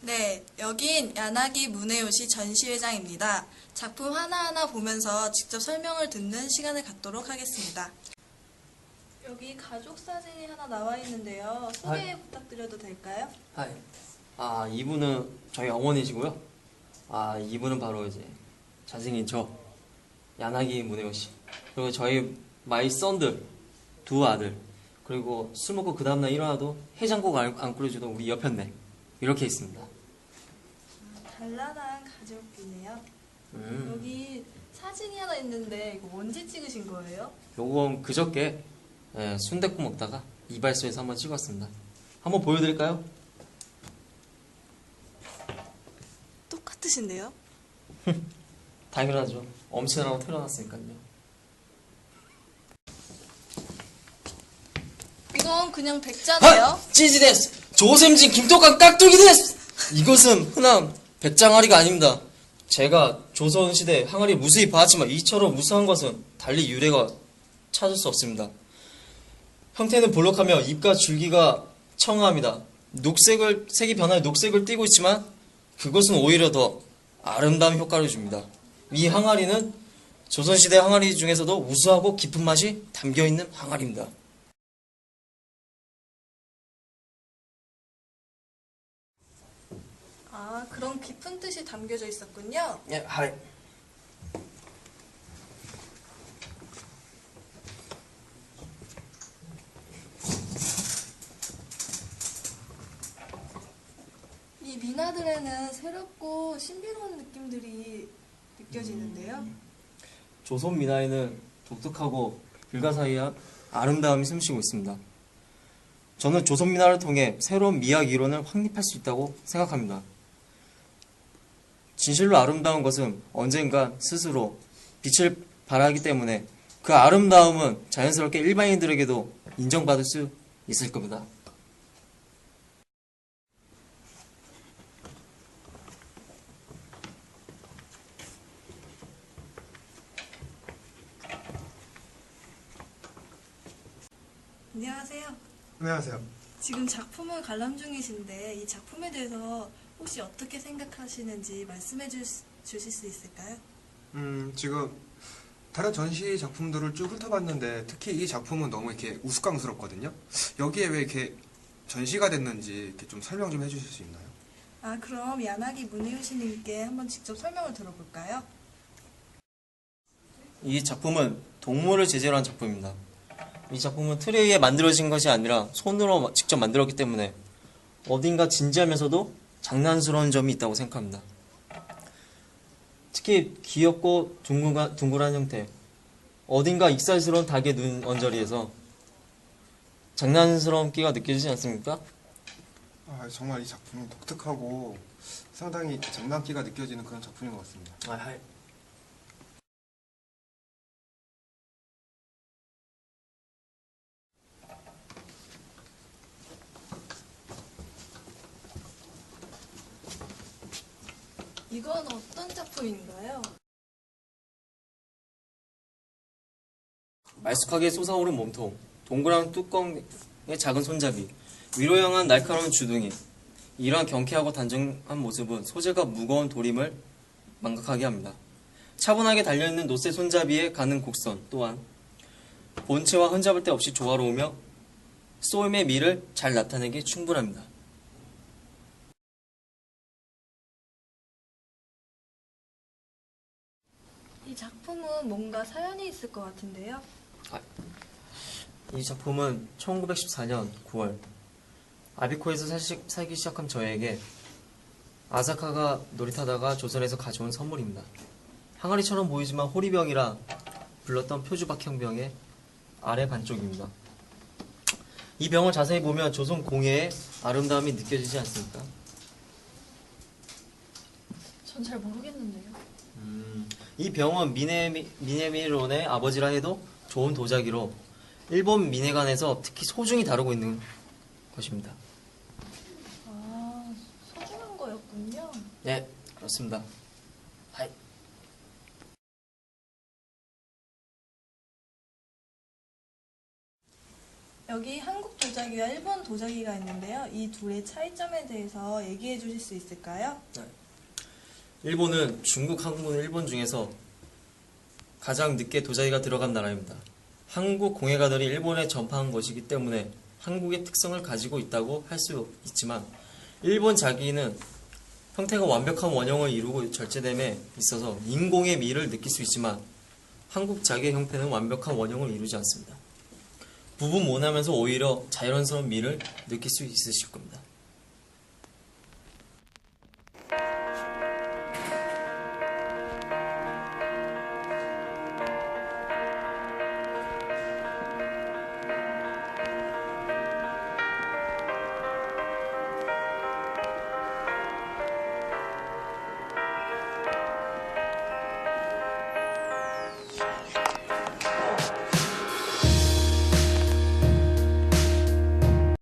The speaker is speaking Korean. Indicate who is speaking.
Speaker 1: 네, 여긴 야나기 문해요시 전시회장입니다. 작품 하나하나 보면서 직접 설명을 듣는 시간을 갖도록 하겠습니다. 여기 가족 사진이 하나 나와 있는데요. 소개 부탁드려도 될까요?
Speaker 2: 이분은 저희 어머니시고요. 이분은 바로 이제 잘생긴 저, 야나기 문혜호 씨. 그리고 저희 마이 썬들, 두 아들. 그리고 술 먹고 그 다음날 일어나도 해장국 안 끓여주던 우리 여편네. 이렇게 있습니다.
Speaker 1: 단란한 가족이네요. 여기 사진이 하나 있는데 이거 언제 찍으신 거예요?
Speaker 2: 요건 그저께 순댓국 먹다가 이발소에서 한번 찍었습니다. 한번 보여드릴까요?
Speaker 1: 똑같으신데요?
Speaker 2: 당연하죠. 엄친아라고 태어났으니까요.
Speaker 1: 이건 그냥 백자네요.
Speaker 2: 찌지 데스! 조샘진 김떡한 깍두기 데스! 이것은 흔한 배짱아리가 아닙니다. 제가 조선시대 항아리 무수히 봐왔지만 이처럼 무수한 것은 달리 유래가 찾을 수 없습니다. 형태는 볼록하며 잎과 줄기가 청아합니다. 색이 변하여 녹색을 띠고 있지만 그것은 오히려 더 아름다운 효과를 줍니다. 이 항아리는 조선시대 항아리 중에서도 우수하고 깊은 맛이 담겨있는 항아리입니다.
Speaker 1: 그런 깊은 뜻이 담겨져 있었군요.
Speaker 2: 예, 하이.
Speaker 1: 이 미나들에는 새롭고 신비로운 느낌들이 느껴지는데요.
Speaker 2: 조선 미나에는 독특하고 불가사의한 아름다움이 숨쉬고 있습니다. 저는 조선 미나를 통해 새로운 미학 이론을 확립할 수 있다고 생각합니다. 진실로 아름다운 것은 언젠가 스스로 빛을 발하기 때문에 그 아름다움은 자연스럽게 일반인들에게도 인정받을 수 있을 겁니다.
Speaker 1: 안녕하세요.
Speaker 3: 안녕하세요.
Speaker 1: 지금 작품을 관람 중이신데 이 작품에 대해서 혹시 어떻게 생각하시는지 말씀해 주실 수 있을까요?
Speaker 3: 지금 다른 전시 작품들을 쭉 훑어봤는데 특히 이 작품은 너무 이렇게 우스꽝스럽거든요. 여기에 왜 이렇게 전시가 됐는지 이렇게 좀 설명 좀 해주실 수 있나요?
Speaker 1: 그럼 야나기 문혜요시님께 한번 직접 설명을 들어볼까요?
Speaker 2: 이 작품은 동물을 제재로 한 작품입니다. 이 작품은 틀에 의해 만들어진 것이 아니라 손으로 직접 만들었기 때문에 어딘가 진지하면서도 장난스러운 점이 있다고 생각합니다. 특히 귀엽고 둥글한 형태, 어딘가 익살스러운 닭의 눈 언저리에서 장난스러운 끼가 느껴지지 않습니까?
Speaker 3: 정말 이 작품은 독특하고 상당히 장난기가 느껴지는 그런 작품인 것 같습니다.
Speaker 1: 이건 어떤 작품인가요?
Speaker 2: 말쑥하게 솟아오른 몸통, 동그란 뚜껑의 작은 손잡이, 위로 향한 날카로운 주둥이. 이러한 경쾌하고 단정한 모습은 소재가 무거운 도림을 망각하게 합니다. 차분하게 달려있는 노쇠 손잡이에 가는 곡선 또한 본체와 흠잡을 데 없이 조화로우며 쏘임의 미를 잘 나타내기 충분합니다.
Speaker 1: 이 작품은 뭔가 사연이 있을 것 같은데요?
Speaker 2: 이 작품은 1914년 9월 아비코에서 살기 시작한 저에게 아사카가 놀이타다가 조선에서 가져온 선물입니다. 항아리처럼 보이지만 호리병이라 불렀던 표주박형병의 아래 반쪽입니다. 이 병을 자세히 보면 조선 공예의 아름다움이 느껴지지 않습니까?
Speaker 1: 전 잘 모르겠는데요.
Speaker 2: 이 병은 미네미론의 아버지라 해도 좋은 도자기로 일본 민회관에서 특히 소중히 다루고 있는 것입니다.
Speaker 1: 소중한 거였군요.
Speaker 2: 네, 그렇습니다. 하이.
Speaker 1: 여기 한국 도자기와 일본 도자기가 있는데요. 이 둘의 차이점에 대해서 얘기해 주실 수 있을까요?
Speaker 2: 일본은 중국, 한국, 일본 중에서 가장 늦게 도자기가 들어간 나라입니다. 한국 공예가들이 일본에 전파한 것이기 때문에 한국의 특성을 가지고 있다고 할 수 있지만 일본 자기는 형태가 완벽한 원형을 이루고 절제됨에 있어서 인공의 미를 느낄 수 있지만 한국 자기의 형태는 완벽한 원형을 이루지 않습니다. 부분 모나면서 오히려 자연스러운 미를 느낄 수 있으실 겁니다.